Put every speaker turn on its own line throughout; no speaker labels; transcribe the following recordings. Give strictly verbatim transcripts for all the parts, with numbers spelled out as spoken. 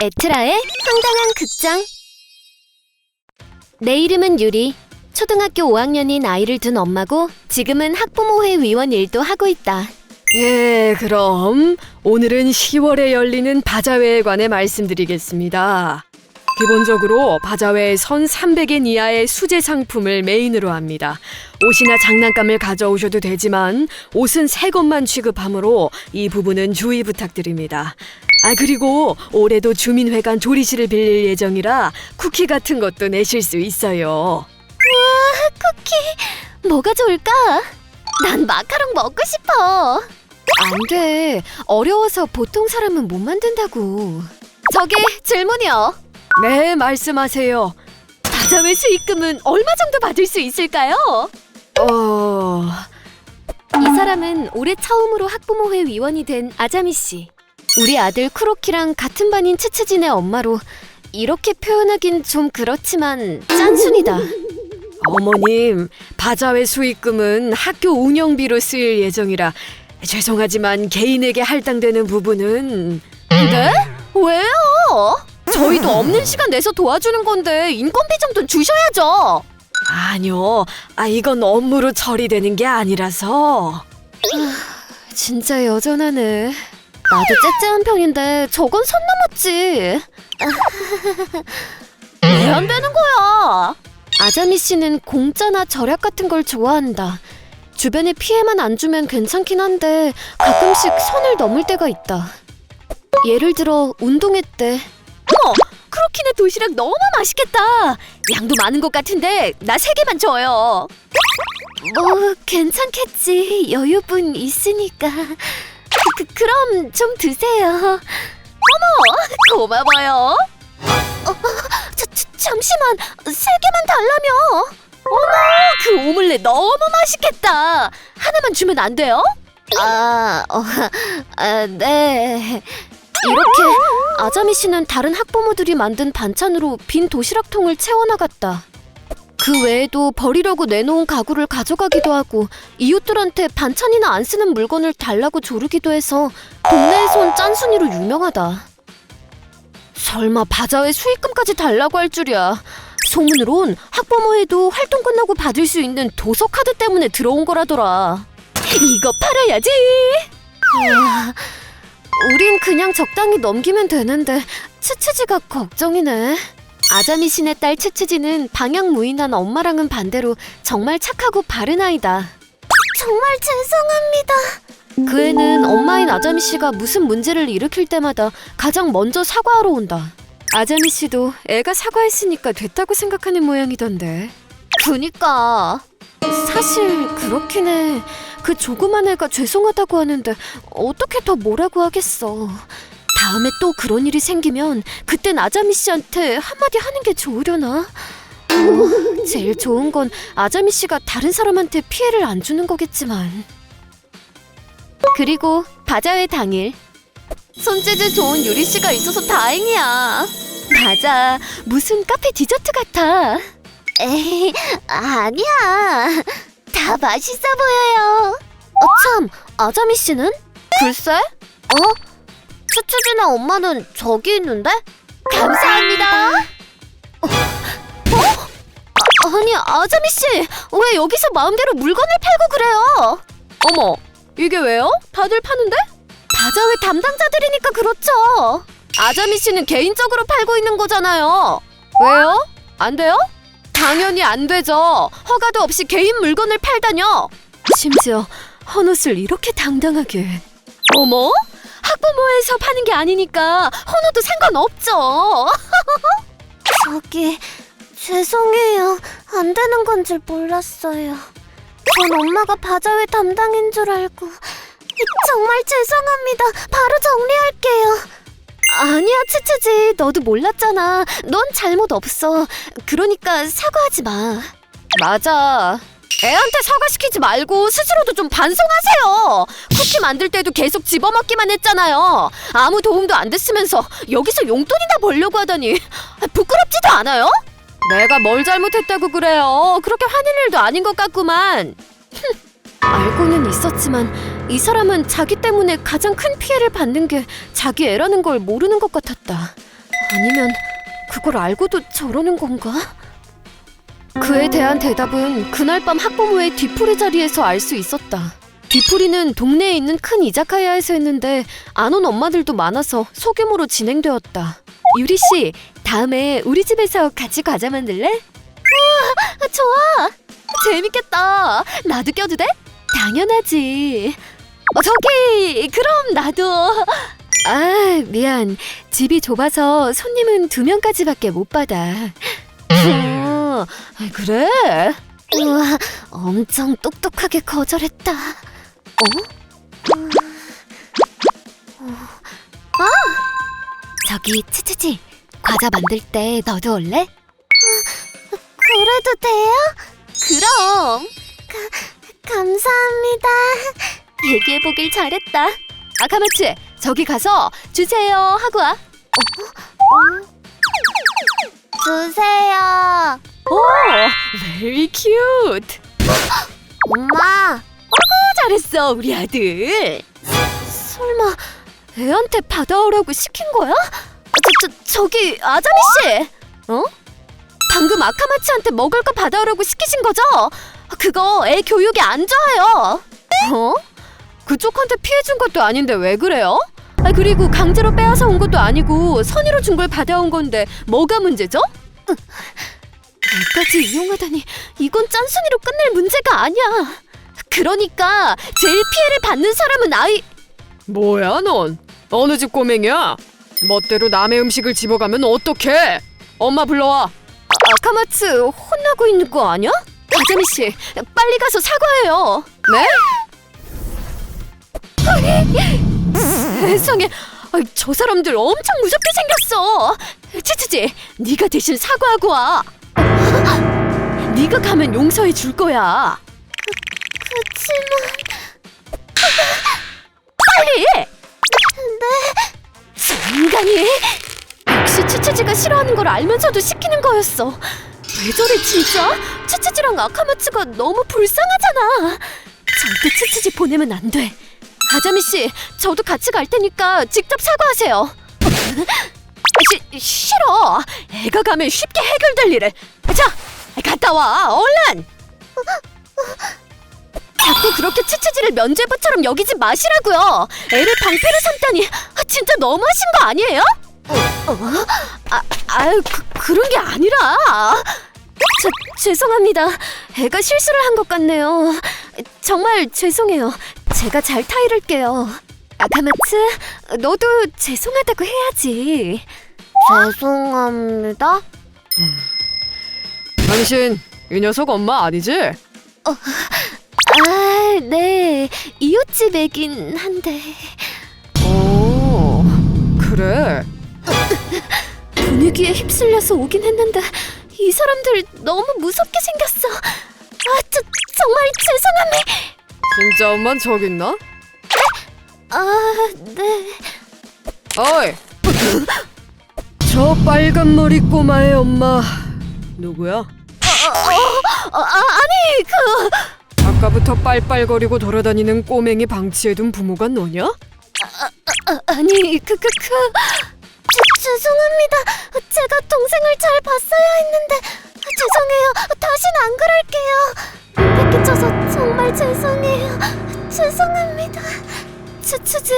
에트라의 황당한 극장. 내 이름은 유리. 초등학교 오 학년인 아이를 둔 엄마고 지금은 학부모회 위원 일도 하고 있다.
예, 그럼 오늘은 시월에 열리는 바자회에 관해 말씀드리겠습니다. 기본적으로 바자회에 선 삼백 엔 이하의 수제 상품을 메인으로 합니다. 옷이나 장난감을 가져오셔도 되지만 옷은 새 것만 취급하므로 이 부분은 주의 부탁드립니다. 아, 그리고 올해도 주민회관 조리실을 빌릴 예정이라 쿠키 같은 것도 내실 수 있어요.
쿠키 뭐가 좋을까? 난 마카롱 먹고 싶어. 안 돼. 어려워서 보통 사람은 못 만든다고. 저기 질문이요.
네, 말씀하세요.
바자회 수익금은 얼마 정도 받을 수 있을까요?
어...
이 사람은 올해 처음으로 학부모회 위원이 된 아자미 씨. 우리 아들 쿠로키랑 같은 반인 츠츠진의 엄마로 이렇게 표현하긴 좀 그렇지만 짠순이다.
어머님, 바자회 수익금은 학교 운영비로 쓰일 예정이라 죄송하지만 개인에게 할당되는 부분은...
네? 왜요? 저희도 없는 시간 내서 도와주는 건데 인건비 정도는 주셔야죠.
아니요, 아, 이건 업무로 처리되는 게 아니라서...
진짜 여전하네. 나도 째째한 편인데 저건 선 넘었지. 왜 안 되는 거야? 아자미 씨는 공짜나 절약 같은 걸 좋아한다. 주변에 피해만 안 주면 괜찮긴 한데 가끔씩 선을 넘을 때가 있다. 예를 들어 운동회 때. 어머! 크로키네 도시락 너무 맛있겠다. 양도 많은 것 같은데 나 세 개만 줘요. 뭐 괜찮겠지. 여유분 있으니까. 그, 그럼 좀 드세요. 어머! 고마워요. 어, 저, 저, 잠시만. 세 개만 달라며. 어머! 그 오믈렛 너무 맛있겠다. 하나만 주면 안 돼요? 아, 어, 아, 네. 이렇게 아자미 씨는 다른 학부모들이 만든 반찬으로 빈 도시락통을 채워나갔다. 그 외에도 버리려고 내놓은 가구를 가져가기도 하고 이웃들한테 반찬이나 안 쓰는 물건을 달라고 조르기도 해서 동네에선 짠순이로 유명하다. 설마 바자회 수익금까지 달라고 할 줄이야. 소문으론 학부모회도 활동 끝나고 받을 수 있는 도서 카드 때문에 들어온 거라더라. 이거 팔아야지. 우와, 우린 그냥 적당히 넘기면 되는데 츠츠지가 걱정이네. 아자미 씨네 딸 츠츠지는 방향무인한 엄마랑은 반대로 정말 착하고 바른 아이다. 정말 죄송합니다. 그 애는 엄마인 아자미 씨가 무슨 문제를 일으킬 때마다 가장 먼저 사과하러 온다. 아자미 씨도 애가 사과했으니까 됐다고 생각하는 모양이던데. 그니까 사실 그렇긴 해. 그 조그만 애가 죄송하다고 하는데 어떻게 더 뭐라고 하겠어. 다음에 또 그런 일이 생기면 그땐 아자미 씨한테 한마디 하는 게 좋으려나? 어, 제일 좋은 건 아자미 씨가 다른 사람한테 피해를 안 주는 거겠지만. 그리고 바자회 당일. 손재주 좋은 유리 씨가 있어서 다행이야. 맞아, 무슨 카페 디저트 같아. 에이, 아니야. 다 맛있어 보여요. 어, 참, 아자미 씨는? 글쎄? 어? 츠츠지나 엄마는 저기 있는데? 감사합니다. 어? 어? 아, 아니, 아자미 씨, 왜 여기서 마음대로 물건을 팔고 그래요? 어머, 이게 왜요? 다들 파는데? 바자회 담당자들이니까 그렇죠. 아자미 씨는 개인적으로 팔고 있는 거잖아요. 왜요? 안 돼요? 당연히 안 되죠. 허가도 없이 개인 물건을 팔다뇨. 심지어 헌옷을 이렇게 당당하게. 어머? 학부모에서 파는 게 아니니까 헌옷도 상관없죠. 저기 죄송해요. 안 되는 건 줄 몰랐어요. 전 엄마가 바자회 담당인 줄 알고. 정말 죄송합니다. 바로 정리할게요. 아니야, 츠츠지. 너도 몰랐잖아. 넌 잘못 없어. 그러니까 사과하지 마. 맞아. 애한테 사과시키지 말고 스스로도 좀 반성하세요. 쿠키 만들 때도 계속 집어먹기만 했잖아요. 아무 도움도 안 됐으면서 여기서 용돈이나 벌려고 하다니 부끄럽지도 않아요? 내가 뭘 잘못했다고 그래요. 그렇게 화낼 일도 아닌 것 같구만. 알고는 있었지만 이 사람은 자기 때문에 가장 큰 피해를 받는 게 자기 애라는 걸 모르는 것 같았다. 아니면 그걸 알고도 저러는 건가? 그에 대한 대답은 그날 밤 학부모의 뒤풀이 자리에서 알 수 있었다. 뒤풀이는 동네에 있는 큰 이자카야에서 했는데 안 온 엄마들도 많아서 소규모로 진행되었다. 유리 씨, 다음에 우리 집에서 같이 과자 만들래? 우와, 좋아. 재밌겠다. 나도 껴도 돼? 당연하지. 어, 저기, 그럼 나도. 아, 미안. 집이 좁아서 손님은 두 명까지밖에 못 받아. 어, 그래? 우와, 엄청 똑똑하게 거절했다. 어? 아! 저기, 치치치. 과자 만들 때 너도 올래? 그래도 돼요? 그럼. 가, 감사합니다. 얘기해보길 잘했다. 아카마츠, 저기 가서 주세요 하고 와. 어? 어? 주세요.
오, very cute.
엄마. 어구, 잘했어, 우리 아들. 설마 애한테 받아오라고 시킨 거야? 저, 저, 저기 아자미 씨. 어? 방금 아카마츠한테 먹을 거 받아오라고 시키신 거죠? 그거 애 교육에 안 좋아요. 어? 그쪽한테 pi해준 것도 아닌데 왜 그래요? 아, 그리고 강제로 빼앗아 온 것도 아니고 선의로 준 걸 받아온 건데 뭐가 문제죠? 애까지 이용하다니 이건 짠순이로 끝낼 문제가 아니야. 그러니까 제일 피해를 받는 사람은 아이...
뭐야 넌? 어느 집 꼬맹이야? 멋대로 남의 음식을 집어가면 어떡해? 엄마 불러와.
아, 아카마츠 혼나고 있는 거 아니야? 아자미 씨, 빨리 가서 사과해요.
네?
세상에, 아이, 저 사람들 엄청 무섭게 생겼어. 치치지, 네가 대신 사과하고 와. 네가 가면 용서해 줄 거야. 그, 그치만... 빨리! 네... 저 인간이... 역시 치치지가 싫어하는 걸 알면서도 시키는 거였어. 왜 저래 진짜? 치치지랑 아카마츠가 너무 불쌍하잖아. 절대 치치지 보내면 안 돼. 아자미 씨, 저도 같이 갈 테니까 직접 사과하세요. 시, 싫어. 애가 가면 쉽게 해결될 일을. 자, 갔다 와, 얼른. 자꾸 그렇게 치치지를 면죄부처럼 여기지 마시라고요. 애를 방패로 삼다니 진짜 너무하신 거 아니에요? 어? 아, 아유, 그, 그런 게 아니라. 저, 죄송합니다. 애가 실수를 한 것 같네요. 정말 죄송해요. 제가 잘 타이를게요. 아카마츠, 너도 죄송하다고 해야지. 죄송합니다.
당신 이 녀석 엄마 아니지?
아, 네. 이웃집 애긴 한데.
오, 그래.
분위기에 휩쓸려서 오긴 했는데 이 사람들 너무 무섭게 생겼어. 아, 저, 정말 죄송합니다.
진짜 엄만 저기 있나?
아, 네.
어이! 저 빨간 머리 꼬마의 엄마 누구야?
어, 어, 아, 아니, 그...
아까부터 빨빨거리고 돌아다니는 꼬맹이 방치해둔 부모가 너냐?
아, 아니, 그, 그, 그... 저, 죄송합니다. 제가 동생을 잘 봤어야 했는데 죄송해요. 다신 안 그럴게요. 안 뺏기쳐서 정말 죄송해요. 죄송합니다. 치치지.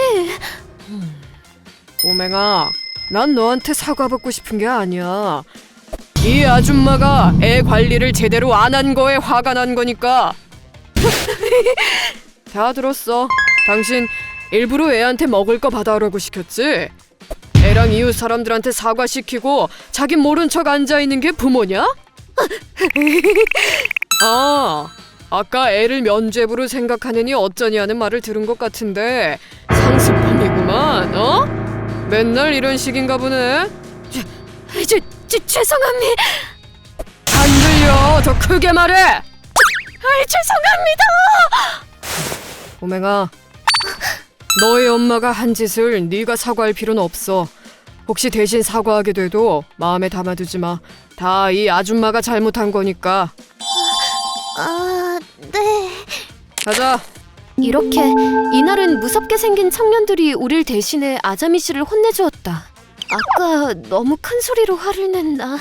꼬맹아, 난 너한테 사과받고 싶은 게 아니야. 이 아줌마가 애 관리를 제대로 안 한 거에 화가 난 거니까. 다 들었어. 당신 일부러 애한테 먹을 거 받아오라고 시켰지? 애랑 이웃 사람들한테 사과시키고 자긴 모른 척 앉아있는 게 부모냐? 아, 아까 애를 면죄부로 생각하느니 어쩌니 하는 말을 들은 것 같은데 상습범이구만, 어? 맨날 이런 식인가 보네.
저, 저, 죄송합니다.
안 들려. 더 크게 말해.
아, 죄송합니다.
꼬맹아, 너희 엄마가 한 짓을 네가 사과할 필요는 없어. 혹시 대신 사과하게 돼도 마음에 담아두지 마. 다 이 아줌마가 잘못한 거니까.
아, 네.
가자.
이렇게 이날은 무섭게 생긴 청년들이 우릴 대신해 아자미 씨를 혼내주었다. 아까 너무 큰 소리로 화를 냈나?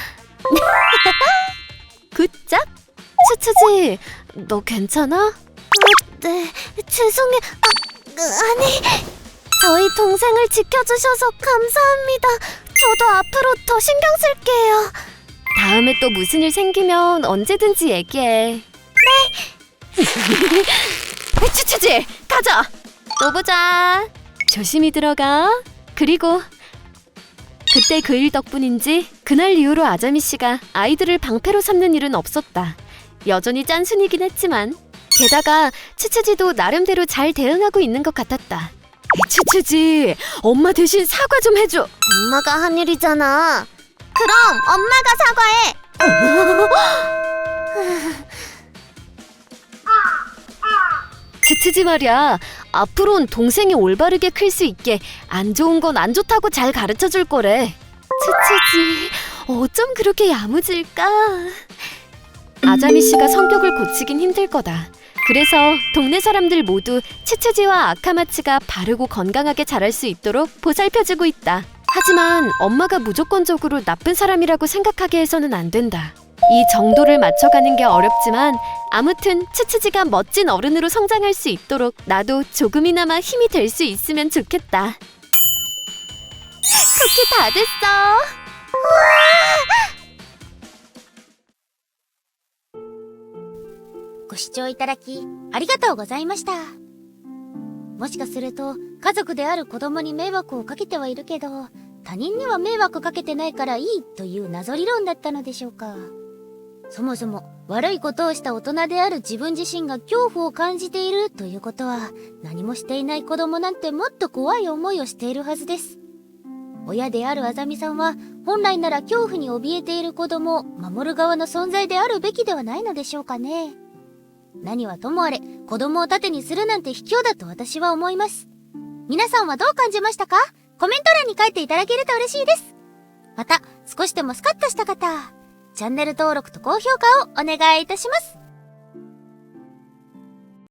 굿짝? 츠츠지, 너 괜찮아? 아, 네, 죄송해. 아, 아니, 저희 동생을 지켜주셔서 감사합니다. 저도 앞으로 더 신경 쓸게요. 다음에 또 무슨 일 생기면 언제든지 얘기해. 네. 츠츠지, 가자. 또 보자. 조심히 들어가. 그리고 그때 그 일 덕분인지 그날 이후로 아자미 씨가 아이들을 방패로 삼는 일은 없었다. 여전히 짠순이긴 했지만 게다가 츠츠지도 나름대로 잘 대응하고 있는 것 같았다.
츠츠지, 엄마 대신 사과 좀 해줘.
엄마가 한 일이잖아. 그럼 엄마가 사과해. 츠츠지 말이야. 앞으론 동생이 올바르게 클 수 있게 안 좋은 건 안 좋다고 잘 가르쳐 줄 거래. 츠츠지, 어쩜 그렇게 야무질까? 아자미 씨가 성격을 고치긴 힘들 거다. 그래서 동네 사람들 모두 츠츠지와 아카마츠가 바르고 건강하게 자랄 수 있도록 보살펴주고 있다. 하지만 엄마가 무조건적으로 나쁜 사람이라고 생각하게 해서는 안 된다. 이 정도를 맞춰가는 게 어렵지만 아무튼 츠츠지가 멋진 어른으로 성장할 수 있도록 나도 조금이나마 힘이 될 수 있으면 좋겠다. 쿠키 다 됐어.
ご視聴いただきありがとうございました。もしかすると家族である子供に迷惑をかけてはいるけど、他人には迷惑かけてないからいいという謎理論だったのでしょうか。そもそも悪いことをした大人である自分自身が恐怖を感じているということは、何もしていない子供なんてもっと怖い思いをしているはずです。親であるあざみさんは本来なら恐怖に怯えている子供を守る側の存在であるべきではないのでしょうかね。何はともあれ子供を盾にするなんて卑怯だと私は思います。皆さんはどう感じましたか？コメント欄に書いていただけると嬉しいです。また少しでもスカッとした方、チャンネル登録と高評価をお願いいたします。